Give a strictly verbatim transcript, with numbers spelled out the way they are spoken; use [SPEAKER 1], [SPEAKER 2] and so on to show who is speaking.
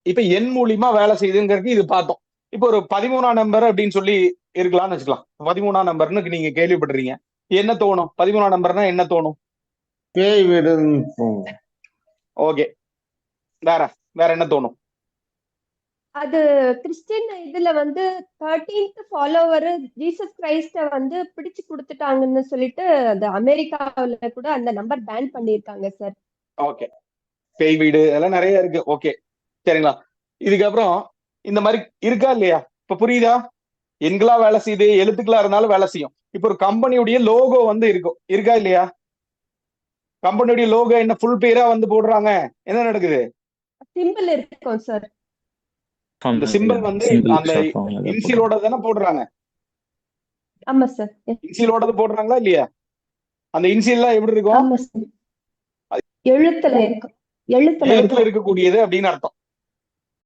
[SPEAKER 1] இப்ப எண் மூலியமா வேலை செய்யுதுங்கிறது இது பார்த்தோம். இப்போ ஒரு பதிமூணாம் நம்பர் அப்படின்னு சொல்லி இருக்கலாம்னு வச்சுக்கலாம். பதிமூணாம் நம்பர்னு நீங்க கேள்விப்பட்டிருக்கீங்க. என்ன தோணும்? பதிமூணாம் நம்பர்னா என்ன தோணும்?
[SPEAKER 2] பேய் வீடுன்னு தோணும்.
[SPEAKER 1] ஓகே. வேற வேற என்ன தோணும்?
[SPEAKER 3] அது கிறிஸ்டின் இதுல வந்து தேர்டீன்த் ஃபாலோவர் ஜீசஸ் கிரைஸ்ட வந்து பிடிச்சு கொடுத்துட்டாங்கன்னு சொல்லிட்டு அந்த அமெரிக்காவுல கூட அந்த நம்பர் பேன் பண்ணிருக்காங்க சார்.
[SPEAKER 1] ஓகே. பேய் வீடு அதெல்லாம் நிறைய இருக்கு. ஓகே சரிங்களா. இதுக்கப்புறம் இந்த மாதிரி இருக்கா இல்லையா? இப்ப புரியுதா? எண்களா வேலை செய்யுது, எழுத்துக்களா இருந்தாலும் வேலை செய்யும். இப்ப ஒரு கம்பெனியுடைய லோகோ வந்து இருக்கும், இருக்கா இல்லையா? கம்பெனியுடைய லோகோ என்ன ஃபுல் பேரா வந்து போடுறாங்க, என்ன நடக்குது?
[SPEAKER 3] சிம்பிள் இருக்கும் சார்.
[SPEAKER 1] அந்த சிம்பிள் வந்து அந்த இன்சியலோட தானே போடுறாங்க.
[SPEAKER 3] ஆமா சார்.
[SPEAKER 1] இன்சியலோட போடுறாங்களா இல்லையா? அந்த இன்சியல்லாம் எப்படி இருக்கும்?
[SPEAKER 3] ஆமா சார். எழுத்துல இருக்கும். எழுத்துல
[SPEAKER 1] எழுத்துல இருக்கக்கூடியது அப்படின்னு அர்த்தம்.